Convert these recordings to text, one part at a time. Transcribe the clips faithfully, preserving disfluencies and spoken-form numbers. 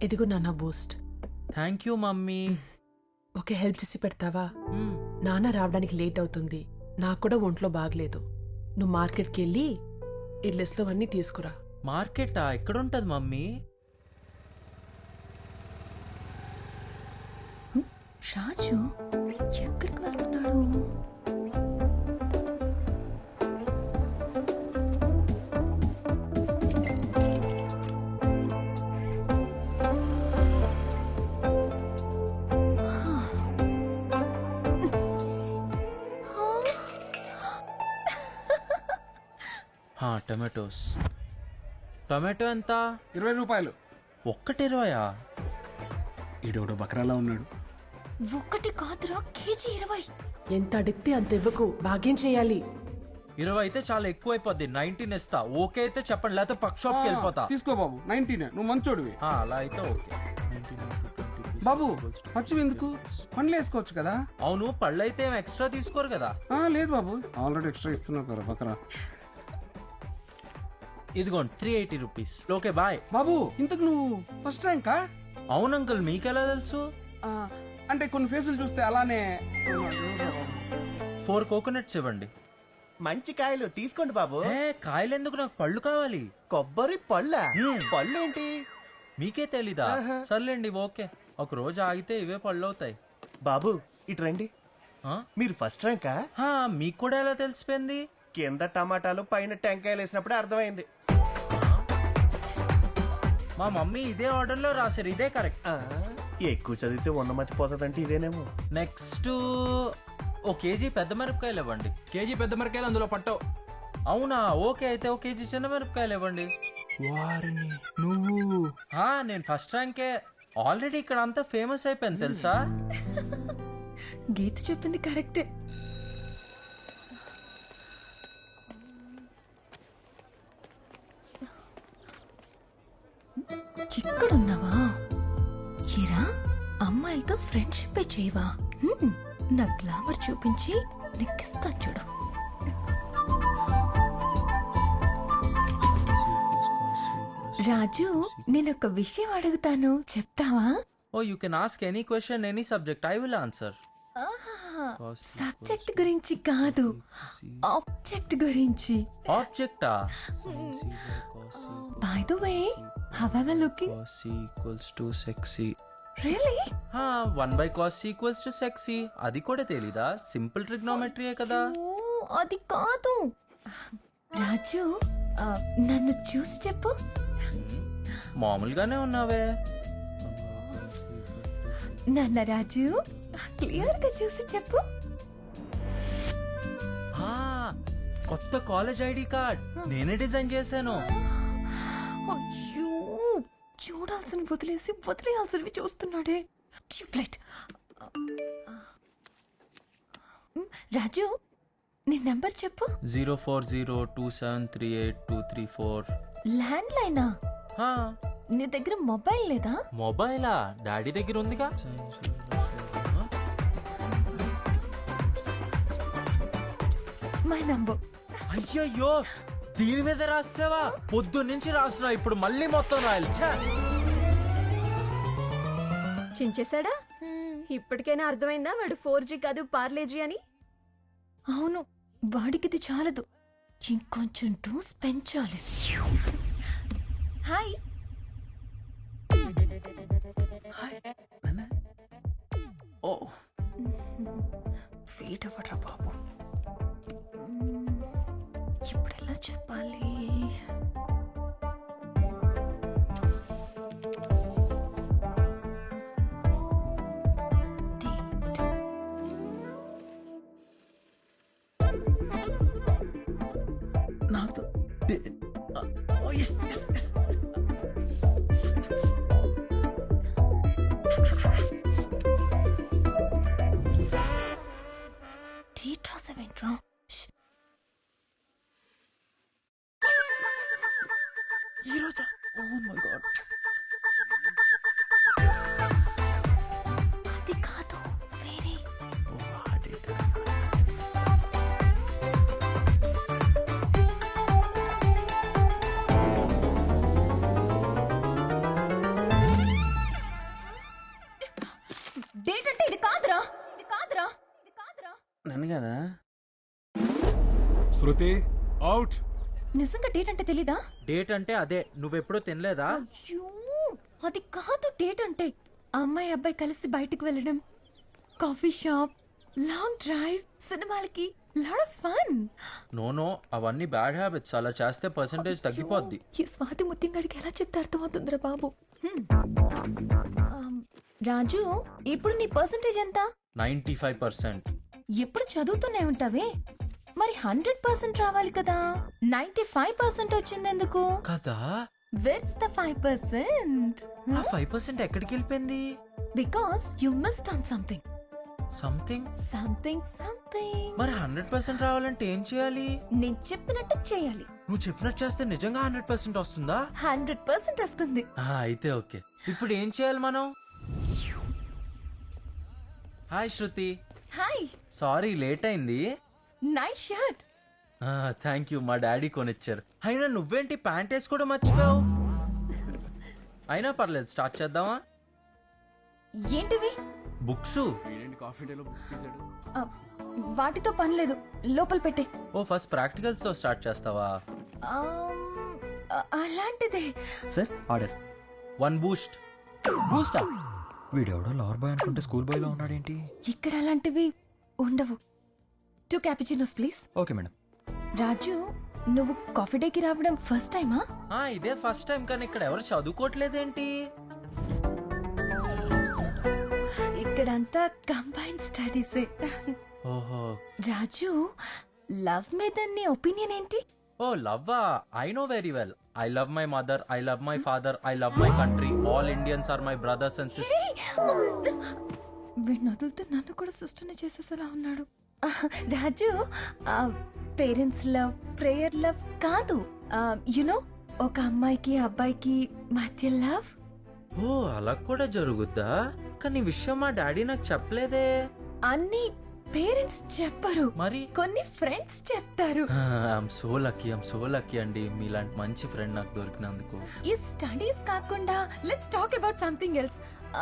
ఇదిగో నాన్న boost. Thank you mummy. Okay, help చేసి పెడతావా? మ్మ్. నాన్న రావడానికి లేట్ అవుతుంది. నాకు కూడా ఒంట్లో బాగలేదు. నువ్వు మార్కెట్కి వెళ్ళి ఈ లిస్ట్లో అన్నీ తీసుకురా. మార్కెటా? ఎక్కడుంటది మమ్మీ? రాజు ఎక్కడికి వెళ్తున్నాడు? టొమాటోస్. టొమాటో ఎంత? ఇరవై రూపాయలు. ఒక్కటి ఇరవయా? ఈడోడు బకరాలా ఉన్నాడు. ఒక్కటి కాదురా, కేజీ ఇరవై. ఎంత అడిగితే అంత ఇవ్వకు, భాగ్యం చేయాలి. ఇరవై అయితే చాలా ఎక్కువ అయిపోద్ది. నైన్టీన్ ఇస్తా. ఓకే అయితే చెప్పండి, లేకపోతే పక్క షాప్కి వెళ్ళిపోతా. తీసుకో బాబు, నైన్టీన్. నువ్వు మంచోడివి. ఆ, అలా అయితే ఓకే. బాబు పచ్చివి ఎందుకు? పండ్లు వేసుకోవచ్చు కదా. అవును, పళ్ళు అయితే ఏం ఎక్స్ట్రా తీసుకోరు కదా? ఆ, లేదు బాబు, ఆల్రెడీ ఎక్స్ట్రా ఇస్తున్నావు కదా బకరా. ఇదిగోండి three eighty rupees. Okay bye. బాబు ఇంతకు నువ్వు ఫస్ట్ ర్యాంకా? అవును అంకుల్, మీకెలా తెలుసు? ఆ, అంటే కొన్ని ఫేసులు చూస్తే అలానే. ఫోర్ కోకోనట్స్ ఇవ్వండి. మంచి కాయలు తీసుకోండి బాబు. ఏ కాయలు ఎందుకు, నాకు పళ్ళు కావాలి. కొబ్బరి పళ్ళ పళ్ళు ఏంటి? మీకే తెలీదా? సర్లేండి ఓకే. ఒక రోజు ఆగితే ఇవే పళ్ళు అవుతాయి. బాబు ఇటు రండి. ఆ? మీరు ఫస్ట్ ర్యాంకా? హా, మీకు కూడా ఎలా తెలిసిపోయింది? కింద టమాటాలు పైన టెంకాయలు వేసినప్పుడే అర్థమైంది. మా మమ్మీ ఇదే ఆర్డర్ లో రాశారు, ఇదే కరెక్ట్. ఆ, ఎక్కువ చదివితే ఉన్నమతి పోతుందంటే ఇదేనేమో. నెక్స్ట్ ఓ కేజీ పెద్ద మిరపకాయలు ఇవ్వండి. కేజీ పెద్ద మిరకాయలు అందులో పట్టవు. అవునా? ఓకే అయితే ఒక కేజీ చిన్న మిరపకాయలు ఇవ్వండి. వారిని నువ్వు హా, నేను ఫస్ట్ ర్యాంకే. ఆల్రెడీ ఇక్కడ అంతా ఫేమస్ అయిపోయింది తెలుసా? గీత చెప్పింది కరెక్టే. ఇక్కడున్నావా? చిరా అమ్మాయిలతో ఫ్రెండ్షిప్ చేయవా? హ్మ్, నా గ్లామర్ చూపించి నెక్కిస్తా చూడు. రాజు, నేనొక విషయం అడుగుతాను, చెప్తావా? Oh you can ask any question, any subject, I will answer. Subject గురించి కాదు, ఆబ్జెక్ట్ గురించి. ఆబ్జెక్టా? By the way, how are you looking? Equals to sexy. Really? హా, one by cos equals to sexy. అది కూడా తెలీదా? సింపుల్ ట్రిగ్నోమెట్రీయే కదా. ఓ, అది కాదు. రాజు, ఆ, నన్ను చూసి చెప్పు. మామూలుగానే ఉన్నావే. నాన్న రాజు, క్లియర్ గా చూసి చెప్పు. ఆ, కొత్త కాలేజ్ ఐడి కార్డ్ నేనే డిజైన్ చేశాను. అయ్యో, చూడాల్సిన వదిలేసి వదిలేయాల్సినవి చూస్తున్నాడే. ట్యూబ్లైట్. రాజు, నీ నెంబర్ చెప్పు. Zero four zero two seven three eight two three four. ల్యాండ్ లైనా? నీ దగ్గర మొబైల్ లేదా? మొబైలా? డాడీ దగ్గర ఉందిగా. My number. అయ్యయ్యో, దీని మీద రాసావా? పొద్దు నుంచి రాస్తున్నా, ఇప్పుడు మళ్ళీ మొత్తం రాయాలి. ఛే! చించేశాడా? ఇప్పటికైనా అర్థమైందా వాడు ఫోర్ జీ కాదు పార్లేజీ అని? అవును, వాడికి ఇది చాలదు, ఇంకొంచెం డోస్ పెంచాలి. హాయ్. ఓ, వెయిట్ అవ్వట్రా బాబు. ఇప్పుడు ఎలా చెప్పాలి? నాతో డేట్ రాసేవేంట్రా? కదా. శృతి అవుట్. నిజంగా డేట్ అంటే తెలీదా? డేట్ అంటే అదే, నువ్వెప్పుడూ తినలేదా? అయ్యో అది కాదు డేట్ అంటే. అమ్మాయి అబ్బాయి కలిసి బయటికి వెళ్ళడం, కాఫీ షాప్, లాంగ్ డ్రైవ్, సినిమాలకి, lot of fun. No no, అవన్నీ బ్యాడ్ హ్యాబిట్స్. అలా చేస్తే పర్సంటేజ్ తగ్గిపోద్ది. ఈ స్వాతి ముత్యంగాడికి ఎలా చెప్తే అర్థమవుతుందిరా బాబు. హ్మ్. ఆమ్, రాజు ఇప్పుడు నీ పర్సంటేజ్ ఎంత? Ninety five percent. ఎప్పుడు చదువుతూనే ఉంటావే, మరి హండ్రెడ్ పర్సెంట్ రావాలి కదా. నైన్టీ ఫైవ్ పర్సెంట్ వచ్చింది ఎందుకు? కదా, వెట్స్ ద ఫైవ్ పర్సెంట్? ఆ ఫైవ్ పర్సెంట్ ఎక్కడికి వెళ్ళిపోయింది? Because you missed on something something something something. మరి హండ్రెడ్ పర్సెంట్ రావాలంటే ఏం చేయాలి? నేను చెప్పినట్టు చేయాలి. నువ్వు చెప్పినట్టు చేస్తే నిజంగా హండ్రెడ్ పర్సెంట్ వస్తుందా? హండ్రెడ్ పర్సెంట్ వస్తుంది. ఆ, అయితే ఓకే. ఇప్పుడు ఏం చేయాలి మనం? Hi Shruti, hi, sorry late అయింది. Nice shirt. థ్యాంక్ యూ, మా డాడీ కొనిచ్చారు. అయినా నువ్వేంటి ప్యాంట్ వేసుకోవడం మర్చిపోయావు? అయినా పర్లేదు, స్టార్ట్ చేద్దామా? ఏంటివి? బుక్స్. కాఫీ డేలో బుక్స్ తీసాడు. ఆ, వాటితో పని లేదు, లోపల పెట్టే. ఓ ఫస్ట్ ప్రాక్టికల్స్ తో స్టార్ట్ చేస్తావా? ఆమ్, అ- అలాంటిదే. Sir order. One boost. బూస్టా? వీడెవడో లవర్ బాయ్ అనుకుంటే స్కూల్ బాయ్ లో ఉన్నాడేంటి? ఇక్కడ అలాంటివి ఉండవు. Two cappuccinos please. Okay madam. Raju, నువ్వు కాఫీ డేకి రావడం ఫస్ట్ టైమా? ఆ, ఇదే ఫస్ట్ టైం. కానీ ఇక్కడ ఎవరు చదువుకోవట్లేదేంటి? ఇక్కడంతా కంబైన్ స్టడీసే. ఓహో. రాజు, లవ్ మీద నీ ఒపీనియన్ ఏంటి? ఓ లవ్వా, I know very well. I love my mother, I love my father, I love my country. All Indians are my brothers and sisters. వీడిని వదిలితే నన్ను కూడా సిస్టర్ని చేసేసేలా ఉన్నాడు. Raju, parents love, prayer love కాదు. యునో, ఒక అమ్మాయికి అబ్బాయికి మధ్య లవ్. ఓ అలా కూడా జరుగుద్దా? కానీ ఈ విషయం మా డాడీ నాకు చెప్పలేదే. అన్ని పేరెంట్స్ చెప్పరు, మరి కొన్ని ఫ్రెండ్స్ చెప్తారు. I'm so lucky, I'm so lucky అండి, మీలాంటి మంచి ఫ్రెండ్ నాకు దొరికినందుకు. ఈ స్టడీస్ కాకుండా let's talk about something else.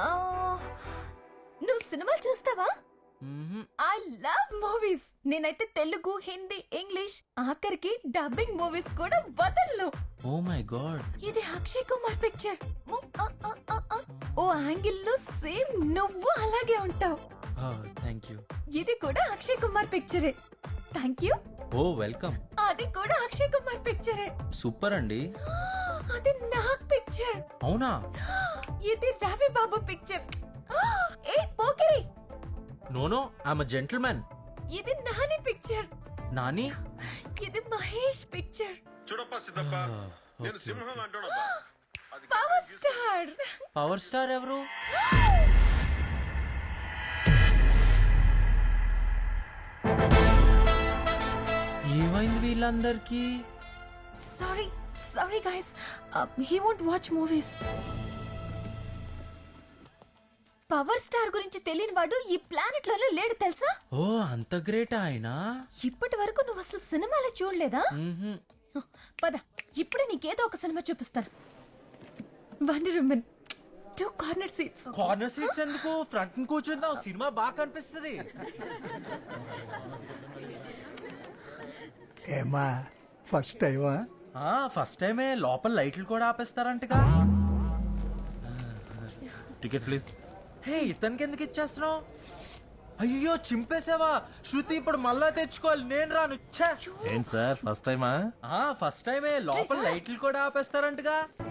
నువ్వు సినిమాలు చూస్తావా? మ్మ్హ్. I love movies. నేనైతే తెలుగు, హిందీ, ఇంగ్లీష్, ఆఖరికి డబ్బింగ్ మూవీస్ కూడా వదలను. Oh my god. ఇది అక్షయ్ కుమార్ పిక్చర్. ఓ యాంగిల్ లో సేమ్ నువ్వు అలాగే ఉంటావు. Thank you. ఇది కూడా అక్షయ్ కుమార్ పిక్చరే. Thank you. Oh welcome. అది కూడా అక్షయ్ కుమార్ పిక్చరే. సూపర్ అండి. అది నాగ్ పిక్చర్. అవునా? ఇది రవి బాబు పిక్చర్. ఏ Pokiri, no no, I'm a gentlemen. ఇది నాని పిక్చర్. నాని? ఇది మహేష్ పిక్చర్. చూడప్ప సిద్ధప్ప, నేను సింహం అంటాడబ్బా. Power star. పవర్ స్టార్ ఎవరు? ఏమైంది వీళ్ళందరికీ? Sorry sorry guys, he won't watch movies. Power star గురించి తెలియని వాడు ఈ ప్లానెట్ లోనే లేడు తెలుసా? ఓ అంత గ్రేట్ ఆయన. ఇప్పటి వరకు నువ్వు అసలు సినిమాలో చూడలేదా? మ్మ్హ్. పద, ఇప్పుడే నీకేదో ఒక సినిమా చూపిస్తాను. Wonder woman, two corner seats. Corner seats ఎందుకు? ఫ్రంట్ కూర్చుందాం, సినిమా బాగా కనిపిస్తుంది. ఏమా ఫస్ట్ టైమా? ఆ ఫస్ట్ టైమే. లోపల లైట్లు కూడా ఆపేస్తారంటగా. Ticket please. హే, ఇతనికి ఎందుకు ఇచ్చేస్తున్నావు? అయ్యో చింపేసావా? శృతి ఇప్పుడు మళ్ళా తెచ్చుకోవాలి, నేను రాను. ఛే! ఏంటి సార్ ఫస్ట్ టైమా? ఆ ఫస్ట్ టైమే. లోపల లైట్లు కూడా ఆపేస్తారంటగా.